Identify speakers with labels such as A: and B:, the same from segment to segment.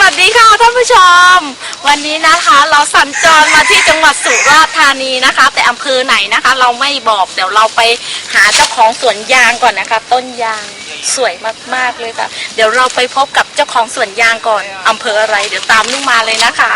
A: วัสดีค่ะท่านผู้ชมวันนี้นะคะเราสัญจรมาที่จังหวัดสุราษฎร์ธานีนะคะแต่อำเภอไหนนะคะเราไม่บอกเดี๋ยวเราไปหาเจ้าของสวนยางก่อนนะคะต้นยางสวยมากๆเลยค่ะเดี๋ยวเราไปพบกับเจ้าของสวนยางก่อนอำเภออะไรเดี๋ยวตามลุงมาเลยนะคะ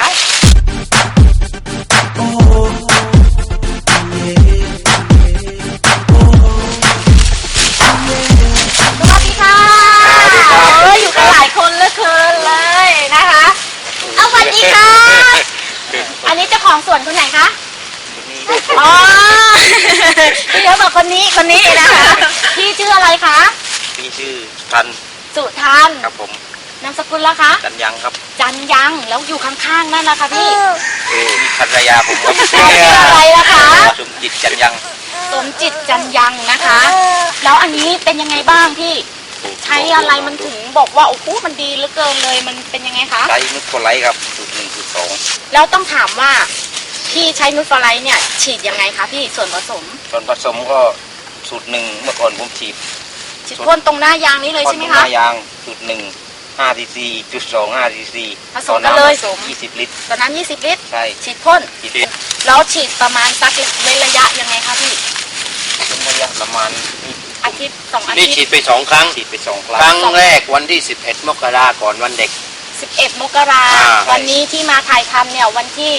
A: สวัสดีค่ะอยู่กันหลายคนเหลือเกินเลยนะคะเอาสวัสดีค่ะอันนี้เจ้าของสวนคนไหนคะอ๋อพี่เขาบอกคนนี้นะคะพี่ชื่ออะไรคะ
B: พี่ชื่อทัน
A: สุทัน
B: ครับผม
A: นามสกุลละคะ
B: จันยังครับ
A: จันยังแล้วอยู่ข้างๆนั่นนะคะพี่
B: มีภรรยาผมครับ
A: ชื่ออะไรล่ะคะ
B: สมจิตจันยัง
A: สมจิตจันยังนะคะแล้วอันนี้เป็นยังไงบ้างพี่ใช้อะไรมันถึงบอกว่าโอ้โหมันดีเหลือเกินเลยมันเป็นยังไงคะ
B: ใช้นุชโคไลท์ครับสูตร1 สูตร 2
A: แล้วต้องถามว่าพี่ใช้นุชโคไลท์เนี่ยฉีดยังไงคะพี่ส่วนผสม
B: ก็สูตร 1เมื่อก่อนผมฉีด
A: พ่นตรงหน้ายางนี้เลยใช่ไหมคะ
B: หน้ายางสูตร 1 5 cc จุด 2 5 cc
A: ผสมกันเลย
B: 20 ลิตร
A: ตอนนั้น20 ลิตร
B: ใช่
A: ฉีดพ่นแล้วฉีดประมาณสักระยะยังไงคะพี่
B: ระยะประมาณ
A: อาทิตย์2 อาทิตย์
B: นี่ฉีดไป2 ครั้งครั้งแรกวันที่11 มกราก่อนวันเด็ก
A: 11 มกราวันนี้ที่มาถ่ายทำเนี่ยวันที่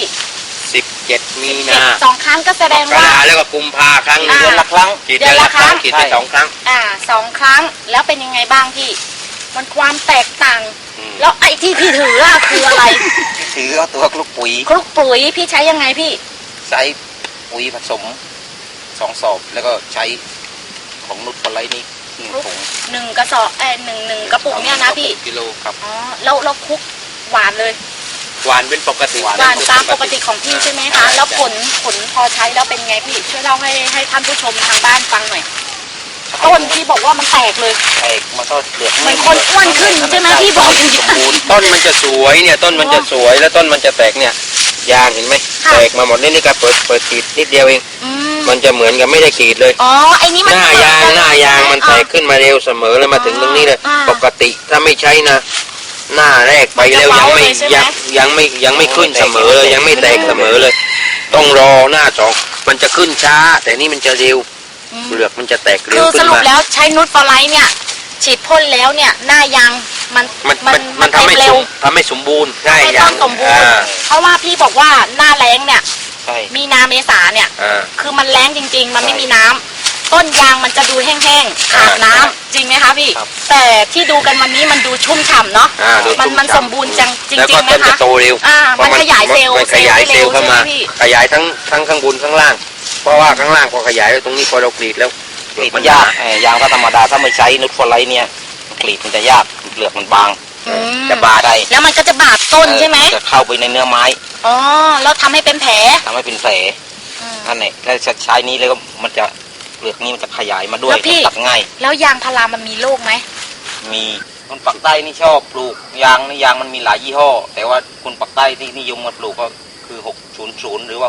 B: 17 มีนา
A: 2 ครั้งก็แสดงว่า
B: แล้วก็กุมภาครั้งเดือนละครั้งฉีดเดือนละครั้งฉีดไป2 ครั้ง
A: 2 ครั้งแล้วเป็นยังไงบ้างพี่มันความแตกต่างแล้วไอ้ที่พี่ถือคืออะไร
B: ถือเอาตัวคลุกปุ๋
A: ยพี่ใช้ยังไงพี่
B: ใช้ปุ๋ยผสม2 สอบแล้วก็ใช้ของนุชโคไลท์นี่1 ถุง
A: 1 กระสอบ1 กระปุกเนี่ยนะพี่
B: กิโลครับ
A: อ๋อเราคลุกหวานเลย
B: หวานเป็นปกติ
A: หวานตามปกติของพี่ใช่ไหมคะแล้วผลพอใช้แล้วเป็นไงพี่ช่วยเล่าให้ท่านผู้ชมทางบ้านฟังหน่อยต้นที่บอกว่ามันแตกเลย
B: แตกมันก็เหลือก
A: เหมือนคนอ้วนขึ้นใช่ไหมพี่บอก
B: สมบูรณ์ต้นมันจะสวยเนี่ยต้นมันจะสวยแล้วต้นมันจะแตกเนี่ยยางเห็นไหมแตกมาหมดนี่ก็เปิดขีดนิดเดียวเองมันจะเหมือนกับไม่ได้ขีดเลย
A: อ๋อไอ้นี่มัน
B: หน้ายางมันแตกขึ้นมาเร็วเสมอเลยมาถึงตรงนี้เลยปกติถ้าไม่ใช้นะหน้าแรกไปแล้วยังไม่ขึ้นเสมอเลยยังไม่แตกเสมอเลยต้องรอหน้า2มันจะขึ้นช้าแต่นี่มันจะเร็วเปลือกมันจะแตกเร็วขึ้นมา
A: คือสรุปแล้วใช้นุชโคไลท์เนี่ยฉีดพ่นแล้วเนี่ยหน้ายาง
B: มันทำให้สมบูรณ์
A: ใช่ต้นสมบูรณ์เพราะว่าพี่บอกว่าหน้าแล้งเนี่ยมีนาเมษาเนี่ยคือมันแล้งจริงๆมันไม่มีน้ำต้นยางมันจะดูแห้งๆขาดน้ำจริงไหมคะพี่แต่ที่ดูกันวันนี้มันดูชุ่มฉ่ำเนาะมันสมบูรณ์จริงๆ
B: นะคะ
A: แล้วก็ต้น
B: จะโตเร็ว
A: มันขยายเซลล์
B: เข้ามาขยายทั้งข้างบนข้างล่างเพราะว่าข้างล่างพอขยายแล้วตรงนี้พอเรากรีดแล้วกรีดมันยากยางก็ธรรมดาถ้าไม่ใช้นุชโคไลท์เนี่ยกรีดมันจะยากเปลือกมันบางจะบาดได้
A: แล้วมันก็จะบาดต้นใช่ไหม
B: จะเข้าไปในเนื้อไม้
A: อ๋อแล้วทำให้เป็นแผล
B: นั่นแหละถ้าใช้นี้แล้วก็มันจะเปลือกนี้มันจะขยายมาด้วยตัดง่าย
A: แล้วยางพารามันมีโรคไหม
B: มีคนปักใต้นี่ชอบปลูกยางมันมีหลายยี่ห้อแต่ว่าคนปักใต้ที่นิยมมาปลูกก็คือ600หรือว่า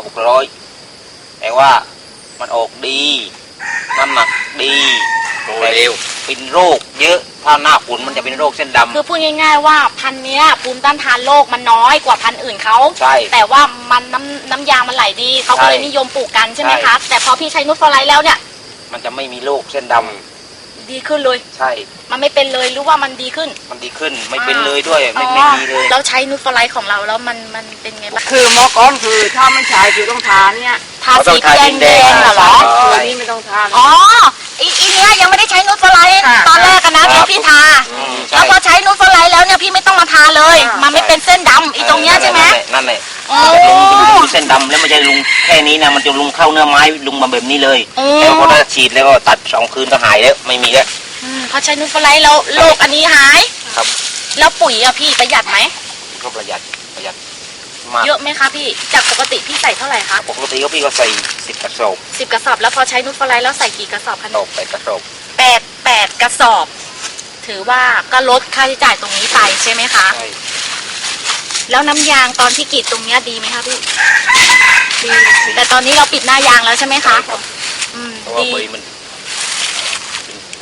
B: 600แต่ว่ามันออกดีน้ำหนักดีแต่เร็วเป็นโรคเยอะถ้าหน้าฝนมันจะเป็นโรคเส้นดำ
A: คือพูดง่ายๆว่าพันธุ์นี้ภูมิต้านทานโรคมันน้อยกว่าพันธุ์อื่นเขา
B: ใช่
A: แต่ว่ามันน้ำยางมันไหลดีเขาก็เลยนิยมปลูกกันใช่ไหมคะแต่พอพี่ใช้นุชโคไลท์แล้วเนี่ย
B: มันจะไม่มีโรคเส้นดำ
A: ดีขึ้นเลย
B: ใช่
A: มันไม่เป็นเลยหรือว่ามันดีขึ้น
B: ไม่เป็นเลยด้วยไม่ดีเลย
A: เราใช้นุชโคไลท์ของเราแล้วมันเป็นไงบ้าง
C: คือมอก้อนคือถ้าไม่ใช้คือต้องทาเนี่ย
A: ทาสีแดงเหรอ
C: ตัวนี้ไม่ต้องทา
A: อ๋ออีเนี้ยยังไม่ได้ใช้นุชโคไลท์ตอนแรกนะพี่ทาแล้วพอใช้นุชโคไลท์แล้วเนี่ยพี่ไม่ต้องมาทาเลยมันไม่เป็นเส้นดำอีตรงเนี้ยใช่ไหม
B: นั่นแหละลุงเส้นดำแล้วมันจะลุงแค่นี้นะมันจะลุงเข้าเนื้อไม้ลุงมาแบบนี้เลยแล้วพอได้ฉีดแล้วก็ตัด2 คืนก็หายแล้วไม่มีแล้ว
A: พอใช้นุชโคไลท์แล้วโรคอันนี้หาย
B: ครับ
A: แล้วปุ๋ยอะพี่ประหยัดไหม
B: ก็ประหยัด
A: เยอะไหมคะพี่จากปกติพี่ใส่เท่าไหร่คะ
B: ปกติก็พี่ก็ใส่10 กระสอบ
A: 10 กระสอบแล้วพอใช้นุชโคไลท์แล้วใส่กี่กระสอบคะ
B: 8 กระสอบ
A: 8 กระสอบถือว่าก็ลดค่าใช้จ่ายตรงนี้ไปใช่ไหมคะ
B: ใช่
A: แล้วน้ำยางตอนที่กรีดตรงนี้ดีไหมคะพี่ดีแต่ตอนนี้เราปิดหน้ายางแล้วใช่ไหมคะ
B: ดีมันจะ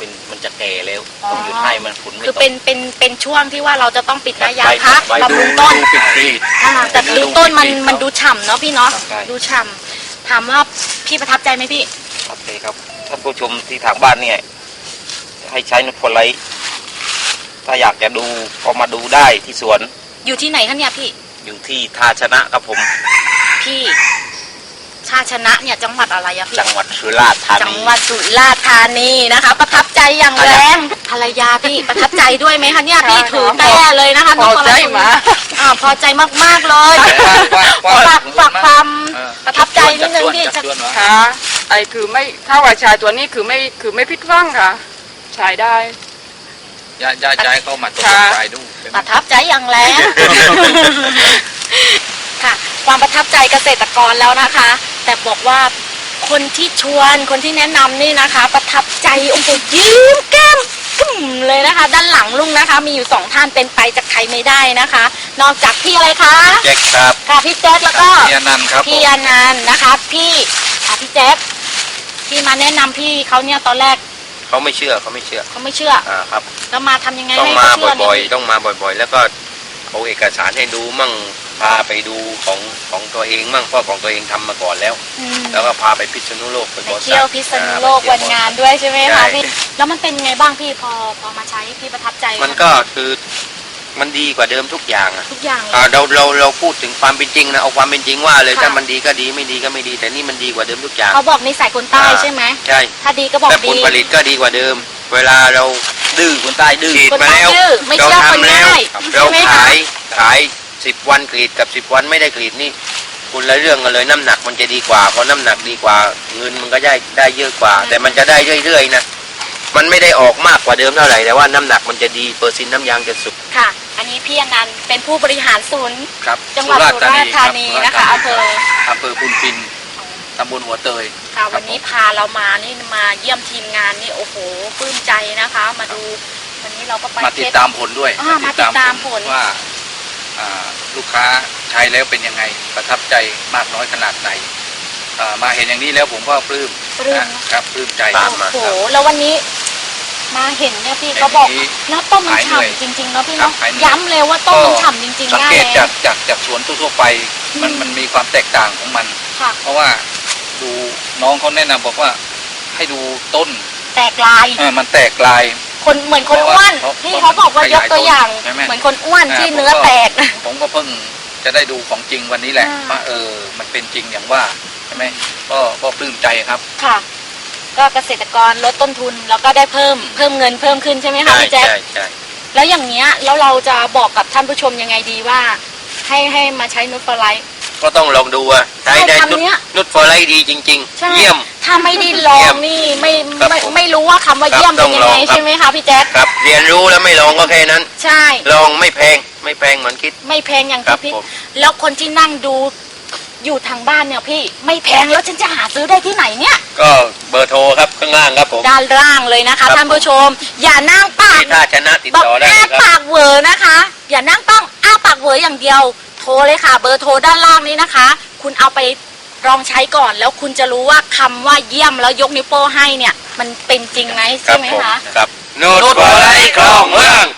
B: จะแก่แล้วต้องหยุดให้มันฝุ่นไม่
A: คือ
B: ตก
A: เป็นช่วงที่ว่าเราจะต้องปิดหน้ายาง
B: ใบ
A: พัก
B: ใบ
A: บำรุงต้น
B: ปิดปีด
A: แต่ดูต้นมัน
B: ดู
A: ดูฉ่ำเนาะพี่เนาะ
B: ใช่
A: ดูฉ่ำถามว่าพี่ประทับใจไหมพี่
B: โอเคครับท่านผู้ชมที่ทางบ้านเนี่ยให้ใช้นุชโฟไลท์ถ้าอยากจะดูก็มาดูได้ที่สวน
A: อยู่ที่ไหนคะเนี่ยพี่
B: อยู่ที่ท่าชนะครับผม
A: พี่ชาติชนะเนี่ยจังหวัดอะไรอะพี่
B: จังหวัดสุราษฎร์ธา
A: จัง
B: นี
A: หวัดสุราษฎร์ธานีนะคะ ประทับใจอย่างแรงภรรยาพี่ประทับใจด้วยไหมคะเนี่ยพี่ถือแต้เลยนะคะ
C: พอใจมา
A: พอใจมากๆเลยฝากความประทับใจนิดนึงพี่จะ
C: ค่ะไอ้คือไม่ถ้าว่าชายตัวนี้คือไม่พิดหว่างค่ะใช้ได้
B: ย้ายเข้ามาตกใจดู
A: ประทับใจอย่างแรง ค่ะ ความประทับใจเกษตรกรแล้วนะคะ แต่บอกว่าคนที่ชวนคนที่แนะนำนี่นะคะ ประทับใจโอ้โหยิ้มแก้มกึ่มเลยนะคะ ด้านหลังลุงนะคะ มีอยู่2ท่านเป็นไปจากใครไม่ได้นะคะ นอกจากพี่อะไรคะ
B: แจ็คครับ
A: ค่ะพี่แจ๊คแล้วก็
B: พี่อนันต์ครับ
A: พี่อนันต์นะคะพี่แจ๊คพี่มาแนะนำพี่เขาเนี่ยตอนแรก
B: เขาไม่เชื่อ
A: เขาไม่เชื่อ
B: ครับ
A: แล้วมาทำยังไง
B: ต้อง
A: ให้
B: มา
A: เขาเชื่อ
B: บ่อย
A: เนี่ย
B: ๆต้องมาบ่อยๆ แล้วก็เอาเอกสารให้ดูมั่งพาไปดูของตัวเองมั่งเพราะของตัวเองทำมาก่อนแล้ว
A: อืม
B: แล้วก็พาไปพิษณุโลกไป
A: ไป
B: บริษัท
A: เที่ยวพิษณุโลกวันงานด้วยใช่ไหมคะพี่แล้วมันเป็นไงบ้างพี่พอมาใช้พี่ประทับใจ
B: มันก็คือมันดีกว่าเดิมทุกอย่างอ่ะ
A: ทุกอย่างเลย
B: เราพูดถึงความเป็นจริงนะเอาความเป็นจริงว่าเลย
A: ค่ะ
B: ถ้ามันดีก็ดีไม่ดีก็ไม่ดี แต่นี่มันดีกว่าเดิมทุกอย่าง
A: เขาบอกนิสัยคนใต้ใช่ไหม
B: ใช่
A: ถ้าดีก็บอก
B: และผ
A: ดี
B: ลผลิตก็ดีกว่าเดิม เวลาเราดื้อคนใต้ดื้อ
A: คน
B: มา
A: ใต้
B: แล้ว
A: ดื้อไม่
B: เรา
A: เชื่อคน
B: ทำแล้ว
A: ง่าย
B: เรา
A: ใช่ไหมคะ
B: ขาย10 วันกรีดกับ10 วันไม่ได้กรีดนี่คุณละเรื่องกันเลยน้ำหนักมันจะดีกว่าเพราะน้ำหนักดีกว่าเงินมันก็ได้เยอะกว่า แต่มันจะได้เรื่อยๆนะมันไม่ได้ออกมากกว่าเดิมเท่าไหร่แต่ว่าน้ำหนักมันจะดีเปอร์เซ็นต์น้ำยางจะสุก
A: ค่ะ อันนี้พี่อนันต์เป็นผู้บริหารศูนย์
D: ครับ
A: จังหวัดสุราษฎร์ธานีนะคะอำเภอ
D: อำเภอพุนพินตำบลหัวเตย
A: ค่ะวันนี้พาเรามานี่มาเยี่ยมทีมงานนี่โอ้โหปลื้มใจนะคะ มาดูวันนี้เราก็ไป
D: มาติดตามผลด้วย
A: มาติดตามผล
D: ว่าลูกค้าใช้แล้วเป็นยังไงประทับใจมากน้อยขนาดไหนมาเห็นอย่างนี้แล้วผมก็ปลื้ม
A: ปลื้ม
D: นะครับปลื้มใจ
B: ตามมา
A: โอ้โหแล้ววันนี้มาเห็นเนี่ยพี่เขาบอกแล้วต้มมันฉ่ำจริงๆเนาะพี่เนาะย้ำเลยว่าต้มมันฉ่ำจริงๆ
D: สัง
A: หน้า
D: เกต
A: แล้
D: จากสวนทั่วๆไปมันมีความแตกต่างของมัน
A: ค่ะ
D: เพราะว่าดูน้องเขาแนะนำบอกว่าให้ดูต้น
A: แตกลาย
D: มันแตกลาย
A: คนเหมือนคนอ้วน
D: เพราะว่า
A: พี่เขาบอกว่ายกตัวอย่าง
D: ใช่ไหม
A: เหมือนคนอ้วนที่เนื้อแตก
D: ผมก็เพิ่งจะได้ดูของจริงวันนี้แหละ
A: อ่า
D: ว่ามันเป็นจริงอย่างว่าใช่ไหมก็ปลื้มใจครับ
A: ค่ะ ก็เกษตรกรลดต้นทุนแล้วก็ได้เพิ่มเงินเพิ่มขึ้นใช่ไหมคะ
B: ใช่
A: พี่แจ๊ค
B: ใช่
A: แล้วอย่างเงี้ยแล้วเราจะบอกกับท่านผู้ชมยังไงดีว่า ให้มาใช้นูตฟลาย
B: ก็ต้องลองดูอ่ะใช้ได้
A: ใช่คำเนี้ย
B: นุชฟอร์ไลท์ดีจริง
A: ใช่
B: ๆ เยี่ยม
A: ถ้าไม่ได้ลองนี่ไม่
B: ครับผม
A: ไม่รู้ว่าคำว่า
B: ครับ
A: เยี่ยมเป็นยังไง
B: ต้องลองครับ
A: ใช่ไหมคะพี่แจ๊ค
B: ครับเรียนรู้แล้วไม่ลองก็แค่นั้น
A: ใช่
B: ลองไม่แพงเหมือนคิด
A: ไม่แพงอย่าง
B: ครั
A: ที่
B: บ
A: พี่
B: ผม
A: แล้วคนที่นั่งดูอยู่ทางบ้านเนี่ยพี่ไม่แพงแล้วฉันจะหาซื้อได้ที่ไหนเนี่ย
B: ก็เบอร์โทรครับข้างล่างครับผม
A: ด้านล่างเลยนะคะ
B: ครับ
A: ท่านผู้ชม อย่านั่งปาก
B: ที่ท่าชนะติด
A: บอก
B: ต่อได้
A: อ้า
B: เลยครับ
A: ปากเหวอนะคะ อย่านั่งต้องอ้าปากเหวออย่างเดียว โทรเลยค่ะ เบอร์โทรด้านล่างนี้นะคะ คุณเอาไปลองใช้ก่อน แล้วคุณจะรู้ว่าคำว่าเยี่ยมแล้วยกนิ้วโป้ให้เนี่ย มันเป็นจริงไหม
B: ครั
A: ใช่
B: บ
A: ไหม
B: ผม
A: คะ
B: ครับนุชฟอร์ไลท์คลองเมือง